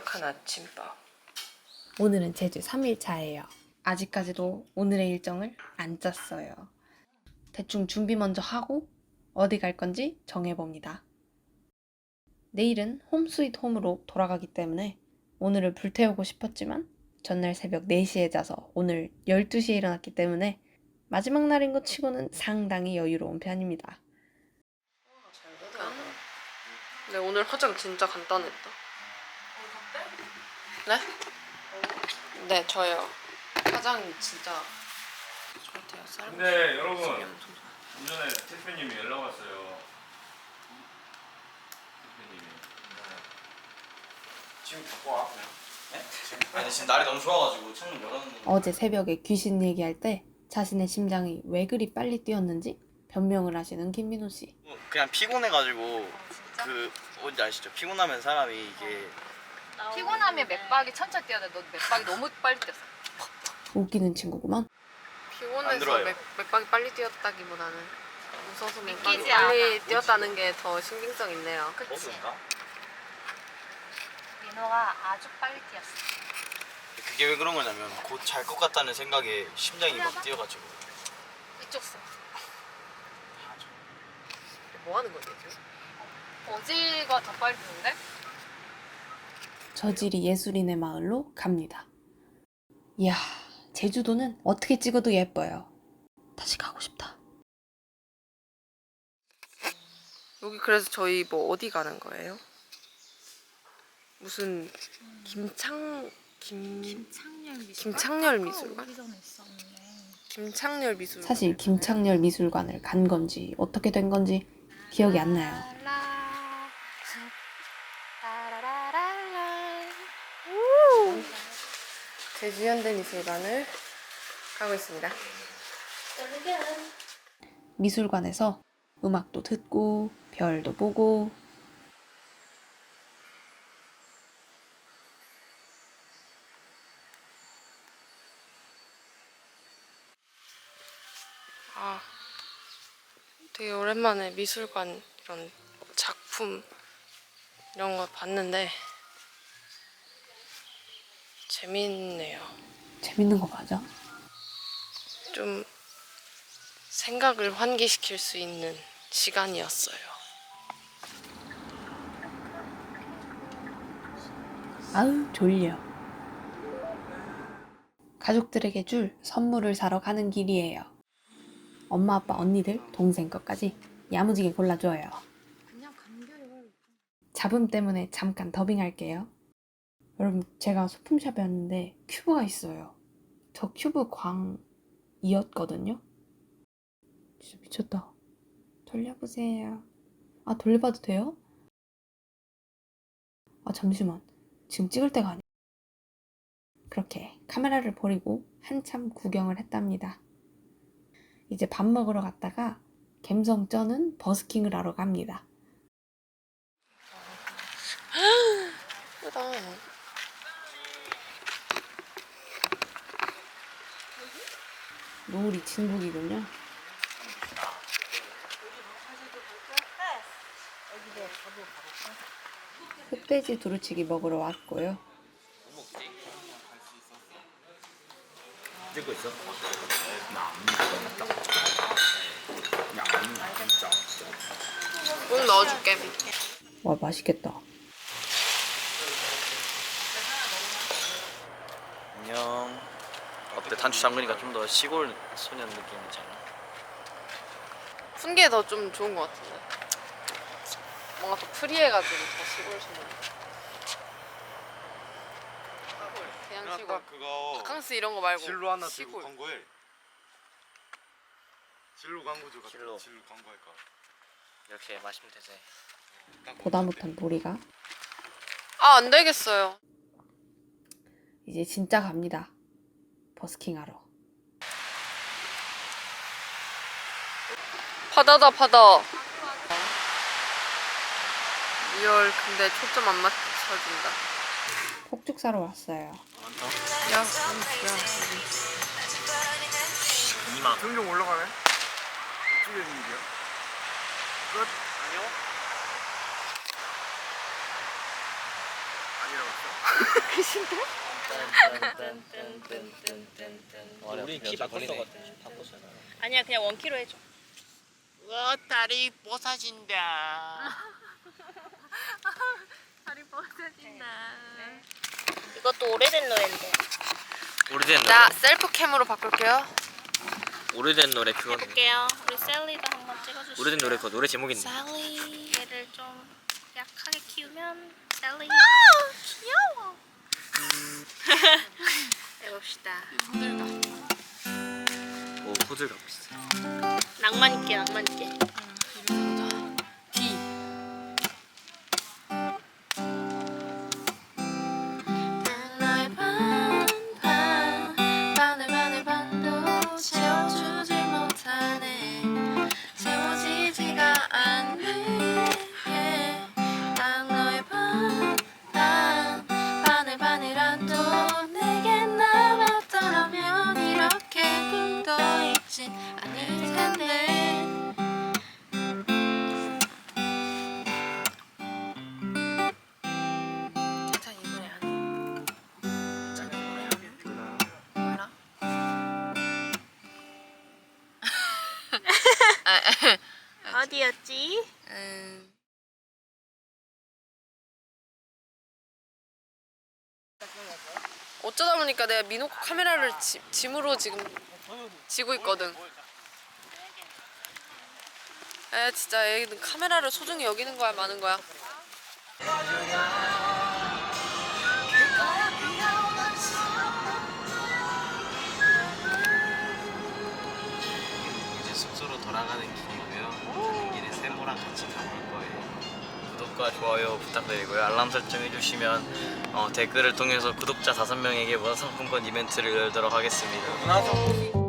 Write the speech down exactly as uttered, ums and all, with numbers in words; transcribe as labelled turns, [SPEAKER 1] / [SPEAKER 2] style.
[SPEAKER 1] 바삭한 아침밥.
[SPEAKER 2] 오늘은 제주 삼 일 차예요. 아직까지도 오늘의 일정을 안 짰어요. 대충 준비 먼저 하고 어디 갈 건지 정해봅니다. 내일은 홈 스윗 홈으로 돌아가기 때문에 오늘을 불태우고 싶었지만 전날 새벽 네 시에 자서 오늘 열두 시에 일어났기 때문에 마지막 날인 것 치고는 상당히 여유로운 편입니다.
[SPEAKER 1] 근데 오늘 화장 진짜 간단했다. 네? 네, 저요. 화장이 진짜 좋대요. 사람.
[SPEAKER 3] 근데 여러분, 좀 전에 대표님이 연락 왔어요. 대표님이.
[SPEAKER 4] 지금 갖고 와 그냥. 네? 지금 아니 지금 날이 너무 좋아가지고 창문 열었는데.
[SPEAKER 2] 어제 새벽에 귀신 얘기할 때 자신의 심장이 왜 그리 빨리 뛰었는지 변명을 하시는 김민호 씨.
[SPEAKER 4] 그냥 피곤해가지고 그 뭔지 아시죠? 피곤하면 사람이 이게
[SPEAKER 5] 피곤하면 맥박이 천천히 뛰어야 돼. 너 맥박이 너무 빨리 뛰었어.
[SPEAKER 2] 웃기는 친구구만.
[SPEAKER 4] 안
[SPEAKER 1] 피곤해서
[SPEAKER 4] 들어와요.
[SPEAKER 1] 맥, 맥박이 빨리 뛰었다기보다는 웃어서 맥박이
[SPEAKER 5] 믿기지
[SPEAKER 1] 빨리
[SPEAKER 5] 않아.
[SPEAKER 1] 뛰었다는 게 더 신빙성 있네요.
[SPEAKER 5] 그치?
[SPEAKER 4] 버스인가?
[SPEAKER 5] 민호가 아주 빨리 뛰었어.
[SPEAKER 4] 그게 왜 그런 거냐면 곧 잘 것 같다는 생각에 심장이 막 뛰어가지고.
[SPEAKER 5] 이쪽 서
[SPEAKER 1] 뭐 하는 거지? 지금?
[SPEAKER 5] 어제가 더 빨리 뛰는데?
[SPEAKER 2] 저질이 예술인의 마을로 갑니다. 이야, 제주도는 어떻게 찍어도 예뻐요. 다시 가고 싶다.
[SPEAKER 1] 여기 그래서 저희 뭐 어디 가는 거예요? 무슨 김창 김
[SPEAKER 5] 김창렬 미술관?
[SPEAKER 1] 김창렬 미술관?
[SPEAKER 5] 오기 전에 있었는데.
[SPEAKER 1] 김창렬 미술관.
[SPEAKER 2] 사실 김창렬 미술관을 간 건지 어떻게 된 건지 기억이 안 나요.
[SPEAKER 1] 제주 현대미술관을 가고 있습니다.
[SPEAKER 2] 미술관에서 음악도 듣고 별도 보고
[SPEAKER 1] 아, 되게 오랜만에 미술관 이런 작품 이런 거 봤는데 재밌네요.
[SPEAKER 2] 재밌는 거 맞아?
[SPEAKER 1] 좀 생각을 환기시킬 수 있는 시간이었어요.
[SPEAKER 2] 아우 졸려. 가족들에게 줄 선물을 사러 가는 길이에요. 엄마, 아빠, 언니들, 동생 것까지 야무지게 골라줘요.
[SPEAKER 5] 그냥 감귤.
[SPEAKER 2] 잡음 때문에 잠깐 더빙할게요. 여러분, 제가 소품샵에 왔는데 큐브가 있어요. 저 큐브 광이었거든요. 진짜 미쳤다. 돌려보세요. 아, 돌려봐도 돼요? 아, 잠시만. 지금 찍을 때가 아니야. 그렇게 카메라를 버리고 한참 구경을 했답니다. 이제 밥 먹으러 갔다가 갬성 쩌는 버스킹을 하러 갑니다.
[SPEAKER 1] 예쁘다.
[SPEAKER 2] 노을이 진국이군요. 흑돼지 두루치기 먹으러 왔고요.
[SPEAKER 4] 찍고 있어?
[SPEAKER 1] 꼭 넣어줄게.
[SPEAKER 2] 와, 맛있겠다.
[SPEAKER 4] 안녕. 어때? 단추 잠그니까 좀 더 시골 소년 느낌이잖아.
[SPEAKER 1] 푼 게 더 좀 좋은 것 같은데. 뭔가 더 프리해가지고 더 시골 소년. 그냥 시골.
[SPEAKER 6] 그거
[SPEAKER 1] 바캉스 이런 거 말고
[SPEAKER 6] 진로 하나 들고
[SPEAKER 1] 시골.
[SPEAKER 6] 광고해. 진로 광고주 같은
[SPEAKER 4] 진로.
[SPEAKER 6] 진로 광고할까?
[SPEAKER 4] 이렇게 마시면 되지.
[SPEAKER 2] 보다 못한 보리가
[SPEAKER 1] 아, 안 되겠어요.
[SPEAKER 2] 이제 진짜 갑니다. 버스킹 하러.
[SPEAKER 1] 바다다 바다. 리얼 근데 초점 안 맞춰준다.
[SPEAKER 2] 폭죽 사러 왔어요.
[SPEAKER 1] 야, 야,
[SPEAKER 4] 이만.
[SPEAKER 6] 등좀 올라가네. 어떻게 된 일이야? 끝.
[SPEAKER 4] 안녕.
[SPEAKER 6] 아니라고.
[SPEAKER 4] 우리 키 바꿨어 바꿨어.
[SPEAKER 5] 아니야 그냥 원 킬로 해줘.
[SPEAKER 7] 와 다리 뽀사진다.
[SPEAKER 5] 다리 뻗어진다. 이것도 오래된 노래인데.
[SPEAKER 4] 오래된
[SPEAKER 1] 나
[SPEAKER 4] 노래.
[SPEAKER 1] 셀프캠으로 바꿀게요.
[SPEAKER 4] 오래된 노래 그거.
[SPEAKER 5] 해볼게요. 우리 셀리도 한번 찍어주시죠.
[SPEAKER 4] 오래된 노래 그거 노래 제목 있네.
[SPEAKER 5] 셀리. 얘를 좀 약하게 키우면 셀리.
[SPEAKER 1] 아,
[SPEAKER 5] 귀여워. 해봅시다.
[SPEAKER 4] 오 호들갑 비슷해.
[SPEAKER 5] 낭만 있게 낭만 있게.
[SPEAKER 1] D.
[SPEAKER 2] 나의 반, 반, 반을 반을 반도 채워주지 못하네. 채워지지가 않네. 난 너의 반, 반, 반을 반이라도 내게 남았더라면 이렇게 굴도 있진 않을 텐데. 자, 이 노래 안 몰라?
[SPEAKER 5] 어디였지?
[SPEAKER 1] 음. 어쩌다 보니까 내가 미노코 카메라를 지, 짐으로 지금 지고 있거든. 에 진짜 애는 카메라를 소중히 여기는 거야 마는 거야.
[SPEAKER 7] 이제 숙소로 돌아가는 길이고요. 가는 길에 세모랑 같이 가볼 거예요.
[SPEAKER 4] 구독과 좋아요 부탁드리고요. 알람 설정 해주시면 어, 댓글을 통해서 구독자 다섯 명에게 문화상품권 이벤트를 열도록 하겠습니다.